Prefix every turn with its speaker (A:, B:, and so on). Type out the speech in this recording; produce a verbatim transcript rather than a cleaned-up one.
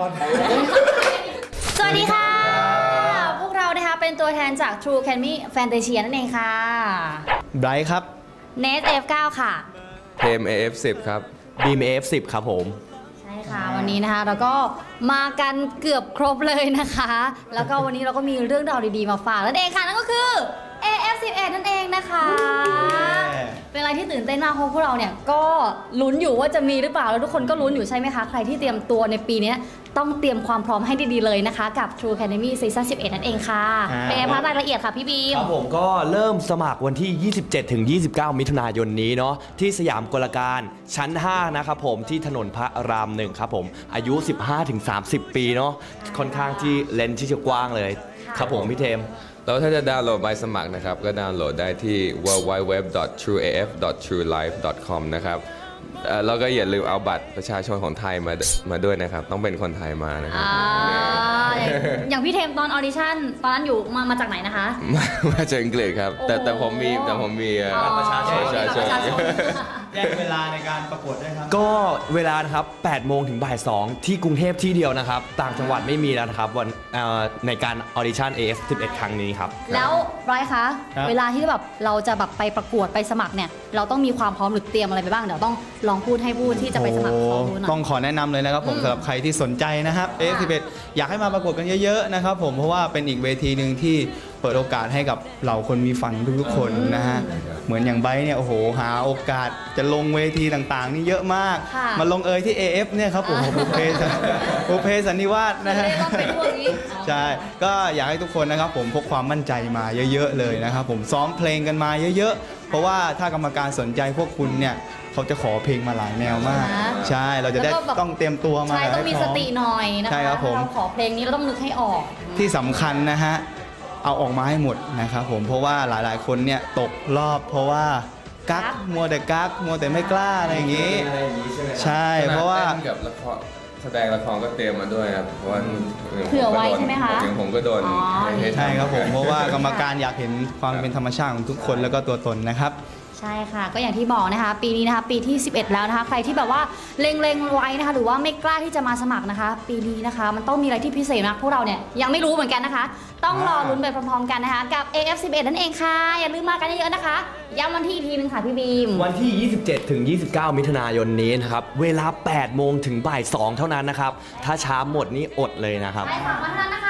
A: อน
B: สวัสดีค่ะพวกเรานะคะเป็นตัวแทนจาก True Academy Fantasia นั่นเองค่ะ
C: ไบรท์ครับ
B: เนท เอฟ เก้า ค่ะ
D: เทม เอ เอฟ สิบ ครับ
C: บีม เอ เอฟ สิบ ครับผม
B: ใช่ค่ะวันนี้นะคะเราก็มากันเกือบครบเลยนะคะแล้วก็วันนี้เราก็มีเรื่องราวดีๆมาฝากนั่นเองค่ะนั่นก็คือ เอ เอฟ สิบเอ็ด นั่นเองนะคะเป็นอะไรที่ตื่นเต้นมากเพราะพวกเราเนี่ยก็ลุ้นอยู่ว่าจะมีหรือเปล่าแล้วทุกคนก็ลุ้นอยู่ใช่ไหมคะใครที่เตรียมตัวในปีนี้ต้องเตรียมความพร้อมให้ดีๆเลยนะคะกับ True Academy Season สิบเอ็ด นั่นเองค่ะเป็นไงคะรายละเอียดค่ะพี่บีม
C: ครับผมก็เริ่มสมัครวันที่ ยี่สิบเจ็ดถึงยี่สิบเก้า มิถุนายนนี้เนาะที่สยามกลการชั้นห้านะครับผมที่ถนนพระรามหนึ่งครับผมอายุ สิบห้าถึงสามสิบ ปีเนาะค่อนข้างที่เลนส์ที่จะกว้างเลยครับผมพี่เทม
D: แล้วถ้าจะดาวน์โหลดใบสมัครนะครับก็ดาวน์โหลดได้ที่ ดับเบิลยู ดับเบิลยู ดับเบิลยู ดอท ทรู เอ เอฟ ดอท ทรู ไลฟ์ ดอท คอม นะครับแล้วก็อย่าลืมเอาบัตรประชาชนของไทยมามาด้วยนะครับต้องเป็นคนไทยมานะครับ
B: อย่างพี่เทมตอนออดิชั่นตอนนั้นอยู่มามาจากไหนนะคะ
D: มาจากอังกฤษครับแต่แต่ผมมีแต่ผมมี
C: บัตรประชาชน
A: แจ้งเวลาในการประกวดด้วยครับ
C: ก็เวลานะครับแปดโมงถึงบ่ายสองที่กรุงเทพที่เดียวนะครับต่างจังหวัดไม่มีแล้วนะครับวันในการออดิชั่น เอ เอฟ สิบเอ็ด ครั้งนี้ครับ
B: แล้วร้อยคะเวลาที่แบบเราจะแบบไปประกวดไปสมัครเนี่ยเราต้องมีความพร้อมหรือเตรียมอะไรไปบ้างเดี๋ยวต้องลองพูดให้พูดที่จะไปสมัครเขาดูหน่อย
A: ต้องขอแนะนำเลยนะครับผมสำหรับใครที่สนใจนะครับ เอ เอฟ สิบเอ็ด อยากให้มาประกวดกันเยอะๆนะครับผมเพราะว่าเป็นอีกเวทีหนึ่งที่เปิดโอกาสให้กับเหล่าคนมีฝันทุกๆคนนะฮะเหมือนอย่างไบร์ทเนี่ยโอ้โหหาโอกาสจะลงเวทีต่างๆนี่เยอะมากมาลงเอยที่ เอ เอฟ เนี่ยครับผมบุพเพบุพเพสันนิวาสนะฮะใช่ก็อยากให้ทุกคนนะครับผมพกความมั่นใจมาเยอะๆเลยนะครับผมซ้อมเพลงกันมาเยอะๆเพราะว่าถ้ากรรมการสนใจพวกคุณเนี่ยเขาจะขอเพลงมาหลายแนวมากใช่เราจะได้ต้องเตรียมตัวมา
B: ใช่ต้องมีสติหน่อยนะคะ
A: ใช่ครับผม
B: เราขอเพลงนี้เราต้องนึกให้ออก
A: ที่สำคัญนะฮะเอาออกมาให้หมดนะครับผมเพราะว่าหลายๆคนเนี่ยตกรอบเพราะว่ากักมัวแต่กักมัวแต่ไม่กล้าอะไรอย่างนี้ใช่เพราะว่า
D: กับละครแสดงละครก็เตรียมมาด้วยครับเพราะว่า
B: เผื่อไว้ใช่ไหมคะ
D: อย่างผมก็โดน
A: ใช่ครับผมเพราะว่ากรรมการอยากเห็นความเป็นธรรมชาติของทุกคนแล้วก็ตัวตนนะครับ
B: ใช่ค่ะก็อย่างที่บอกนะคะปีนี้นะคะปีที่สิบเอ็ดแล้วนะคะใครที่แบบว่าเล็งๆไว้นะคะหรือว่าไม่กล้าที่จะมาสมัครนะคะปีนี้นะคะมันต้องมีอะไรที่พิเศษนะพวกเราเนี่ยยังไม่รู้เหมือนกันนะคะต้องรอลุ้นไปพร้อมๆกันนะคะกับ เอ เอฟ สิบเอ็ด นั่นเองค่ะอย่าลืมมากันเยอะๆนะคะย้ำวันที่อีกทีนึงค่ะพี่บีม
C: วันที่ ยี่สิบเจ็ดถึงยี่สิบเก้า มิถุนายนนี้นะครับเวลาแปดโมงถึงบ่ายสองเท่านั้นนะครับถ้าช้าหมดนี่อดเลยนะครับ
B: ใช่ค่ะวันนั้นนะคะ